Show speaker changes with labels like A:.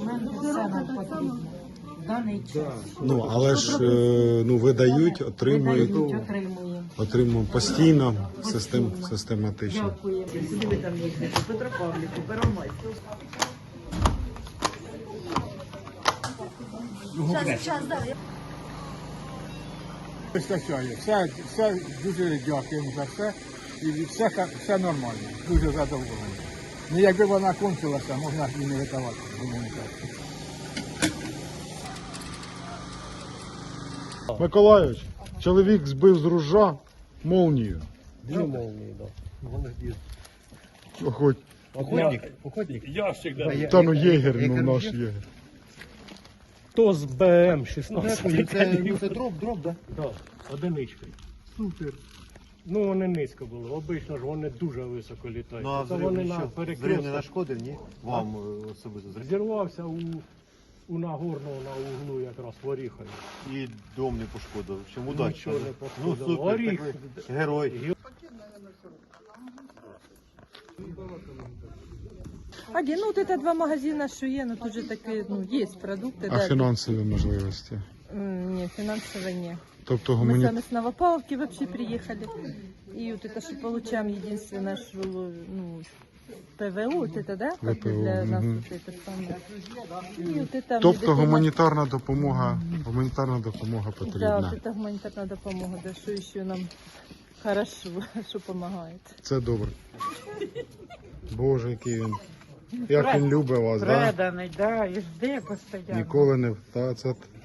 A: документи, все нам потрібно. В даний час.
B: Ну, але ж видають, отримують, отримуємо постійно, систематично.
A: Дякую.
C: Сюди ви там їздите, Петропавлівку, Первомайську.
D: Вистачає. Все дуже дякуємо за все. І все нормально. Дуже задоволений. Ну, якби вона кончилася, можна і не видавати гуманітарку.
B: Миколайович, чоловік збив з ружа молнію.
E: Дві молнії, так. Вони ж
B: Охоть.
E: Охотник?
F: Ящик, да.
B: Та ну єгер, ну наш єгер.
E: То з БМ-16.
F: Це дроб, да?
E: Так, одиничкою. Супер. Ну вони низько були. Обично ж вони дуже високо літають.
F: Ну а
E: Це вони на
F: взрив не
E: перекрестку.
F: нашкодив, ні? Вам особисто зрив.
E: Зірвався у Нагорного на углу якраз в Оріхові.
F: І дом не пошкодив. Чому удачі?
E: Нічого не
F: Ну
E: пошкодило.
F: супер,
E: Оріх.
F: так ви герой.
G: Один, ну вот это два магазина, что є, ну тут же такие, ну, есть продукты,
B: А
G: да.
B: фінансові можливості?
G: Нет, финансово нет.
B: Тобто
G: Мы
B: гумані...
G: сами с Новопавловки вообще приехали. И вот это, что получаем, единственное, что, ну, ПВО, вот это, да? Как бы
B: ВПО,
G: для нас
B: мгм.
G: вот это самое. И вот это...
B: Тобто
G: медицина-
B: гуманітарна допомога
G: Да,
B: потрібна.
G: вот это гуманитарная допомога, да, что еще нам хорошо, что помогает.
B: Це добре. Боже, який він. Як він любить вас, да?
A: Преданий, да, і жде постійно.
B: Ніколи не... Та, це